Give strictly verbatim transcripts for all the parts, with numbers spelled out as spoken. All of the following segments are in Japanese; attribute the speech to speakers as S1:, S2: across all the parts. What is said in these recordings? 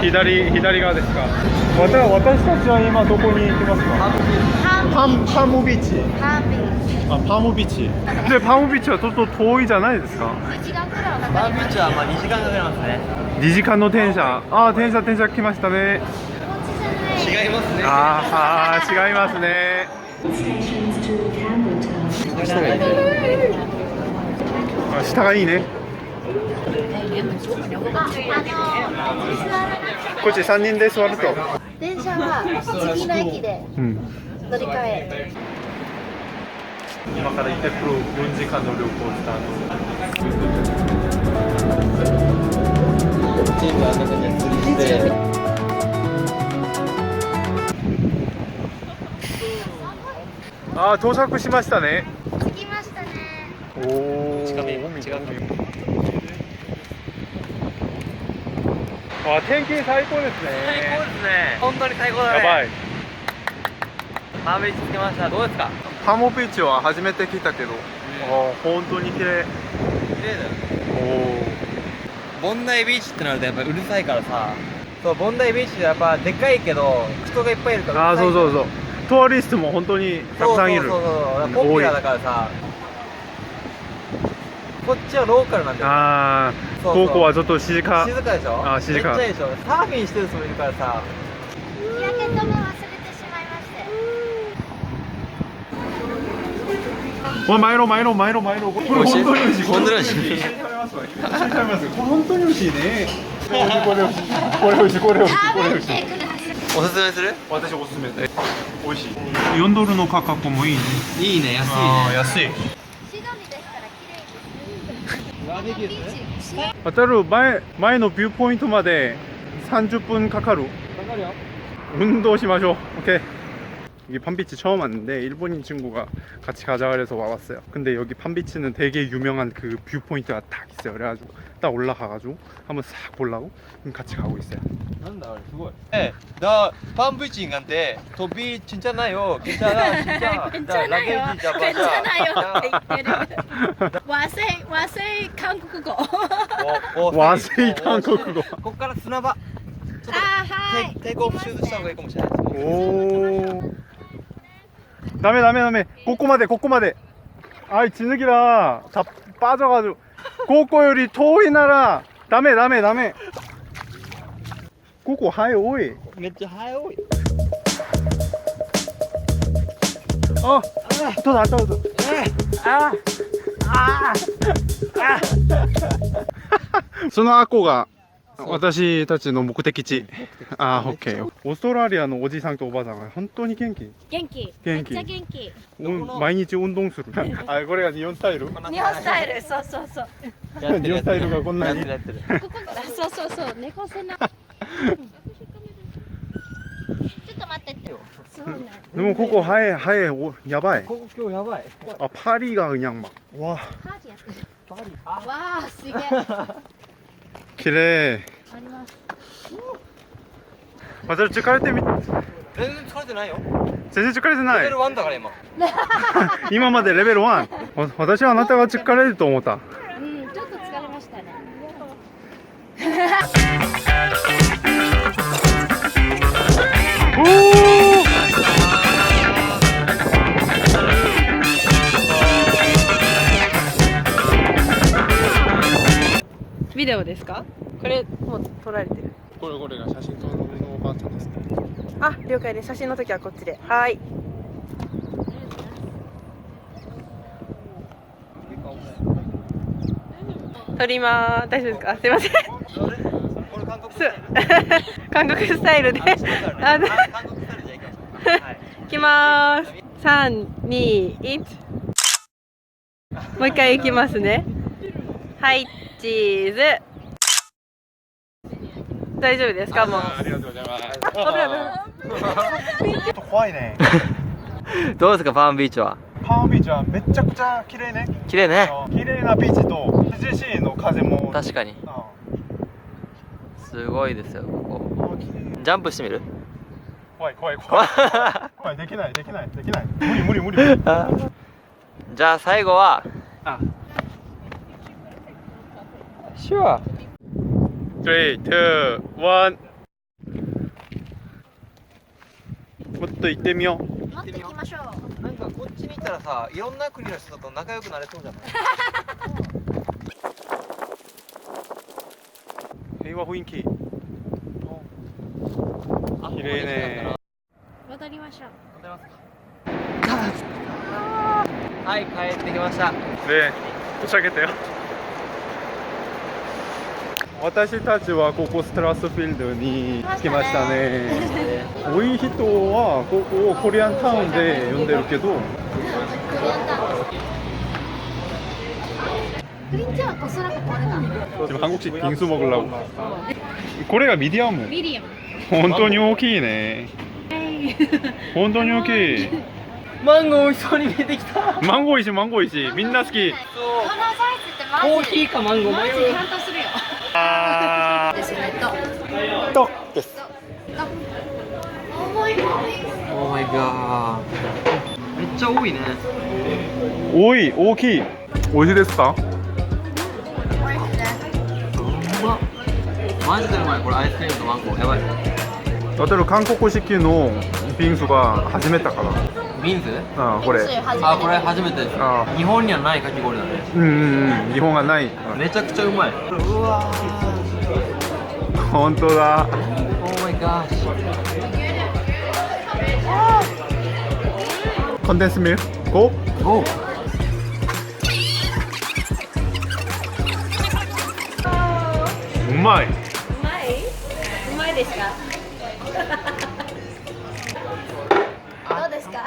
S1: 左左側ですか。わた私たちは今どこに行きますか。パンパムビーチ。
S2: パンビーチ。
S1: あ、パムビーチで、パムビーチはちょっと遠いじゃないですか。
S2: いちじかんくらいはかか
S3: パンビ
S2: ります。
S3: ーチはまあにじかんかかりますね。
S1: にじかんの電車。あー、電車電車来ましたね。
S3: 違いますね。
S1: あーあー違いますね。あ、下がいいね。こっちさんにんで座ると。
S2: 電車は次の駅で
S1: うん。
S2: 乗り換え。
S1: 今から行ってくるよんじかんの旅行スタート。
S3: チームは中に釣りして。
S1: あー、到着しましたね。
S2: 着きましたね。
S1: おお。
S3: 近め近め。
S1: あ、天気最高ですね。
S3: 最高ですね。本当に最高だね。
S1: やばい。
S3: パンビーチ着きました。どうですか。
S1: パムビーチは初めて来たけど、あー本当に綺麗。
S3: 綺麗だよ。
S1: おお。
S3: ボンダイビーチってなるとやっぱうるさいからさ。そうボンダイビーチってやっぱでっかいけど人がいっぱいいるから
S1: ああ、
S3: うるさい
S1: そうそうそう。トーリストも本当にたくさんいる。
S3: そうそうそうそう。ポピュラーだからさ。こっちはローカルなんだよ。
S1: ああ、
S3: そうそう
S1: 高校はちょっと静か。
S3: 静かでしょ。
S1: あー静か
S3: めっちゃいいでしょ。サーフィンしてる人もいるからさ。
S2: 日焼け止め忘れてしまいまして。
S1: わ、前の前の前の前の。これ本当に美味しい。
S3: 本当に美味しい。
S1: これ本当に美味しいね。これ美味しい。これ美味しい。これ美味しい。これ美味しい。
S2: 食べてください。
S3: おすすめする？
S1: 私おすすめです。美味しい。よんドルの価格もいいね。
S3: いいね、安い
S1: ああ、
S3: ね。
S1: 安い。
S2: シドニーですから綺麗です。ビーチ。
S1: 渡る前前のビューポイントまでさんじゅっぷんかかる。
S3: かかるよ。
S1: 運動しましょう. 오케이. 여기 팜비치 처음 왔는데 일본인 친구가 같이 가자 그래서 와봤어요. 근데 여기 팜비치는 되게 유명한 그 뷰 포인트가 딱 있어요. 그래가지고 딱 올라가가지고 한번 싹 보려고 같이 가고 있어요.
S3: なんだあれすごい。え、나 팜비치 간데 도비 진짜 나요. 괜찮아, 진짜.
S2: 괜찮아요.
S3: 진짜 맞아.
S2: 괜찮아요. 와세이 와세이 한국어.
S1: 와세이 한국어.
S3: ここから砂場。
S2: 아, 하이.
S3: 테이크 테이크 오프 슛した方がいいかもしれない。
S1: 오. 다음에 다음에 다음에 꼬꼬마대 꼬꼬마대. 아이 진흙이라 다 빠져가지고. 꼬꼬요리 토이 나라. 다음에 다음에 다음에. 꼬꼬 하이 오이.
S3: めっちゃ早い。
S1: 어. 더 낫다 더. 아. 아. 아. そのアコが私たちの目的地。あー、オッケー。オーストラリアのおじさんとおばあさんが本当に元気。
S2: 元気。
S1: 元気。
S2: めっちゃ元気。
S1: うん毎日運動する。あ、これが日本スタイル。
S2: 日本スタイル。そうそうそう。
S1: 日本スタイルがこんなに。
S3: やってる。
S2: ここあそうそうそう猫背な。ちょっと待ってって。そうね。
S1: でもここハエハエおやばい。
S3: ここ今日やばい。
S1: 아 파리가 그냥 막 와.
S2: パーティーやってる。わあすげえ。
S1: 그래.
S2: あります。
S1: 맞아疲れてみ。
S3: 全然疲れてないよ。
S1: 全然疲れてない
S3: レベル。ワンだから今。
S1: 今までレベルワン。私はあなたが疲れると思った。
S2: うんちょっと疲れましたね。
S1: おお。
S4: ビデオですか？これもう撮られてる。
S1: これこれが写真撮るのおばあちゃんですね。
S4: あ、了解です。写真の時はこっちで。はい。撮りまーす。大丈夫ですか？すいません。
S3: これ韓国
S4: す韓国スタイルで。あの
S3: 韓国スタイルじゃいきましょう。はい。
S4: いきまーす。三二一。もう一回いきますね。はい、チーズ。大丈夫ですか？もう。
S1: ありがとうございます。
S4: 危ない危ない。
S1: ちょっと怖いね。
S3: どうですかパームビーチは？
S1: パームビーチはめちゃくちゃ綺麗ね。
S3: 綺麗ね。
S1: 綺麗なビーチと涼しいの風も。
S3: 確かに。
S1: あ
S3: すごいですよここ。
S1: あ綺麗。
S3: ジャンプしてみる？
S1: 怖い怖い怖い。怖いできないできないできない。無理無理無理。
S3: じゃあ最後は。
S1: あ。
S3: Sure.
S1: three, two, one. と行ってみよう。
S2: 持ってきましょう。
S3: なんかこっちに行ったらさ、いろんな国の人と仲良くなれそうじゃない？
S1: 平和雰囲気。
S3: あ
S1: 綺麗ね。
S2: 渡りましょう。
S3: はい、帰ってきました。
S1: ね、도착했대요。私たちはここストラスフィールドに来ましたね。多い人はここをコリアンタウンで呼んでるけど、
S2: クリアンタウン。クリンチはおそらくこれだ。
S1: 지금 한국식 빙수 먹으려고. 고래가 미디엄.
S2: ミリアム。
S1: 本当に大きいね。本当に大きい。
S3: マンゴー美味しそうに見えてきた。
S1: マンゴー石、マンゴー石、みんな好き。
S2: このサイズってマジ
S3: コーヒーかマンゴー
S2: マ
S3: 迷う。
S2: ジ感動するよ。
S1: あ
S2: ですね。と。
S1: ー、とです。
S2: 重いもん。
S3: オーマイガー。めっちゃ多いね。
S1: 多い、大きい。美味しいですか？
S3: うまっ。マジでうまい。これアイスクリームとマンゴー。やばい。
S1: 私韓国式のビンスが初めてから。
S3: ビンズ？
S1: あ、これ。
S3: あ、これ初めてです。
S1: あ
S3: 日本にはないかき氷だね。
S1: うんうんうん、日本がない。
S3: めちゃくちゃうまい。うわー。
S1: 本当だ。
S3: オーマイガー。
S1: コンデンスミルクご。
S3: おう。
S1: うまい。
S4: うまいうまいですか？
S2: どうですか？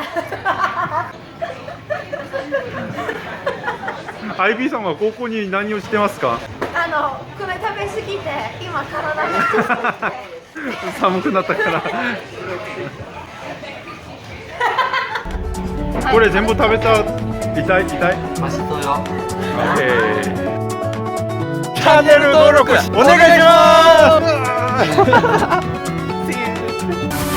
S1: アイビー さんは高校に何をしてますか？
S2: あのこれ食べ過ぎて今体が
S1: 寒くなったから。これ全部食べた。痛い痛い。
S3: マシトよ。
S1: えーチャンネル登録お願いします。